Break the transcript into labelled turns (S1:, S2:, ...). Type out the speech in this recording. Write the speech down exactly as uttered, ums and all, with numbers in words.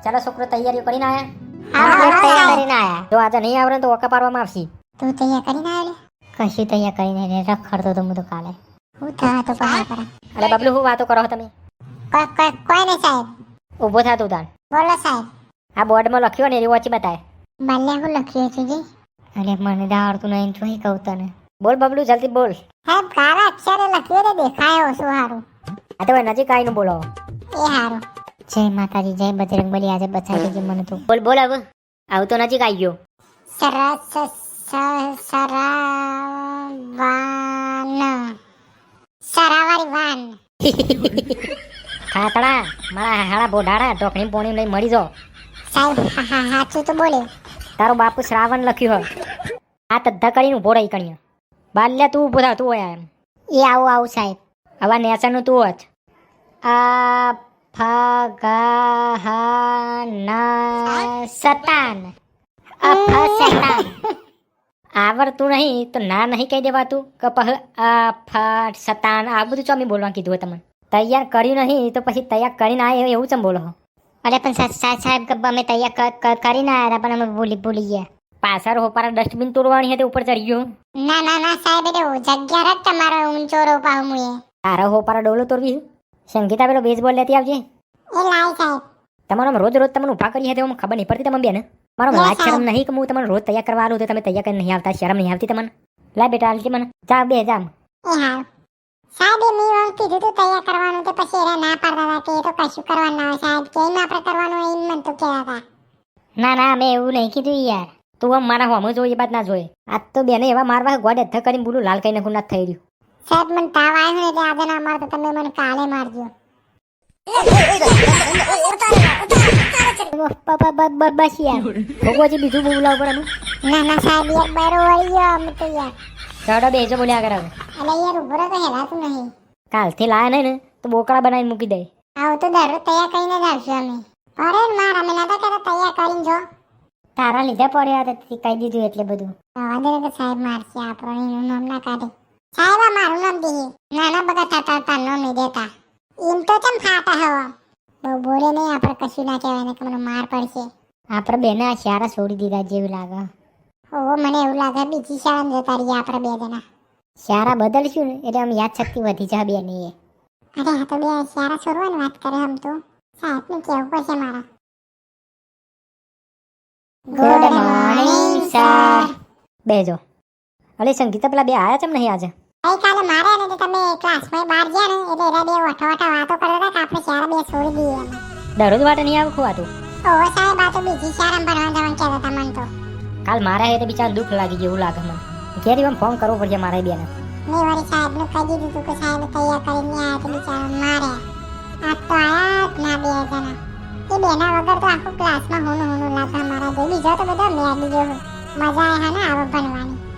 S1: ચાલો છોકરો તૈયારીઓ કરીને આયા?
S2: હા,
S1: હા,
S2: તૈયાર
S1: હા.
S2: કરીને આયા.
S1: જો આજે નહીં આવડે ને તો ઓકા પાડવામાં આવશે.
S2: તું તૈયાર કરીને આવ્યો લે? કશી તૈયાર કરીને ને રખડતો તો હું તો કાલે. હું થા તો પહાડ પર.
S1: અરે બબલુ, શું વાતો કરો છો તમે?
S2: કોઈ કોઈ કોઈ નહીં સાહેબ.
S1: ઊભો થા તું તાર.
S2: બોલો સાહેબ.
S1: આ બોર્ડમાં લખ્યું ને એ વાંચી બતાય.
S2: બાલ્યા હું લખ્યું છે જી? અરે મને તો આવડતું નહીં, તું કહું તને.
S1: બોલ બબલુ, જલ્દી બોલ.
S2: સાહેબ કાળા અક્ષરે લખ્યું ને દેખાય ઓછું સારું.
S1: આ તો નજીક આવીને બોલો.
S2: એ સારું. જય માતાજી, જય બજરંગબલી. આજે બચાવી દેજે મને તું.
S1: બોલ બોલ હવે. આવું તો નજીક આવી ગયો.
S2: સરસ સરાવાન સરાવારી વાન.
S1: ખાતડા, મારા હાડા બોઢાડા ટોકણી પોણી લઈ મળી જાઓ.
S2: સાહેબ હા હા સાચું તો બોલ્યો.
S1: તારો બાપુ શ્રાવણ લખ્યું હોય. આ તદ્ધા કરીને ઊભો રહી કણીએ. બાલ્યા તું ઊભો થા, તું હોય એમ.
S2: એ આવું આવું સાહેબ.
S1: આવા નેસાનું તું હોત. આ ફા ગા હા ના સતાન.
S2: અફા શેતાન.
S1: આવડતું નહીં તો ના નહીં કહી દેવાતું કે પહ આ ફા સતાન આ બધું ચોમી બોલવા કીધું હોય તમને. તૈયાર કર્યું નહીં તો પછી તૈયાર કરીને આવે એવું ચમ બોલો.
S2: અરે પણ સાહેબ સાહેબ કે અમે તૈયાર કરીને આવ્યા હતા પણ અમે ભૂલી ભૂલી ગયા.
S1: પાછળ હોપારા ડસ્ટબિન તોડવાની હતી, ઉપર ચડી ગયો.
S2: ના ના ના સાહેબ એટલે જગ્યા રખ તમારો ઊંચો રોપા હું એ.
S1: તારા હોપારા ડોલો તોડવી. સંગીતા પેલો બેઝબોલ લેતી આવજે.
S2: એ લાય સાહેબ.
S1: તમારો રોજ રોજ તમને ઉભા કરી હતી, ખબર નહીં પડતી તમને બેન. મારો લાજ શરમ નહીં કે હું તમને રોજ તૈયાર કરવા આલું તો તમે તૈયાર કરીને નહીં આવતા? શરમ નહીં આવતી તમને? લાય બેટા આલતી મને. જા બે જામ.
S2: એ હા સાહેબ એ મેં એમ કીધું તું તૈયાર કરવાનું તો પછી એને ના પાડતા હતા કે એ તો કશું કરવાનું ના હોય સાહેબ. કેમ આપણે કરવાનું હોય એમ મને તો કહેતા હતા.
S1: ના ના મેં એવું નહીં કીધું યાર. તું આમ મારા હોમ જોઈએ બાદ ના જોઈએ. આજ તો બેને એવા મારવા ગોડ અધ્ધ કરીને બોલું લાલ કઈ નાખું ના થઈ રહ્યું.
S2: સાહેબ મને તાવ આવ્યો ને એટલે આજે ના મારતો તમે મને કાલે મારજો.
S1: બસ યાર ભોગવજી બીજું બોલાવ પડે.
S2: ના ના સાહેબ યાર બારો વળી ગયો અમે તો યાર.
S1: ચડો બેજો બોલ્યા કરે.
S2: એટલે યાર ઉભો રહો તો હેરાતું નહીં.
S1: કાલથી લાયા નહીં ને તો બોકડા બનાવીને મૂકી દે.
S2: આવું તો દરરોજ તૈયાર કરીને જ આવશું અમે. અરે માર અમે નતા કહેતા તૈયાર કરીને જો.
S1: તારા લીધે પડ્યા હતા કહી દીધું એટલે બધું.
S2: રવા દે તો સાહેબ મારશે આપણો એનું નામ ના કાઢે. સાહેબ આ મારું નામ દે. નાના બગા થતા હતા નામ નહીં દેતા. એમ તો કેમ ખાતા હવા. બહુ બોલે નહીં આપણે કશું ના કહેવાય ને કે મને માર પડશે.
S1: આપણે બેને આ શાળા છોડી દીધા જેવું લાગે.
S2: ઓહો મને એવું લાગે બીજી શાળામાં જતા રહીએ આપણે બે જણા.
S1: શાળા બદલશું ને એટલે આમ યાદ શક્તિ વધી જાય બેની.
S2: અરે હા તો બે શાળા છોડવાની વાત કરે આમ તો. સાહેબને કહેવું પડશે મારા.
S1: Good morning sir. બેજો. અલે સંગીતા પેલા બે આયા ચમ નહીં આજે?
S2: ગઈકાલે મારે ને તો તમે ક્લાસમાં બહાર ગયા ને એટલે એરા બે વઠો વઠો વાતો કરતા હતા કે આપણે શાળા બે છોડી દઈએ એમ.
S1: દરરોજ વાટે નહીં આવે ખોવાતું.
S2: ઓહો સાહેબ આ તો બીજી શાળામાં ભણવા જવાનું કહેતા હતા મને તો.
S1: કાલ મારા હે તો બિચારા દુઃખ લાગી ગયું એવું લાગે મને. ઘેર એમ ફોન કરવો પડશે મારે બેને.
S2: મેં વળી સાહેબને કહી દીધું હતું કે સાહેબ તૈયાર કરીને આવ્યા તો બિચારા માર્યા. આજ તો આયા જ ના બે જણા. એ બેના વગર તો આખું ક્લાસમાં હોનું હોનું લાગે મારા જે બીજો તો બધો મેં લીધો મજા આવે હા ને આવો ભણવાની.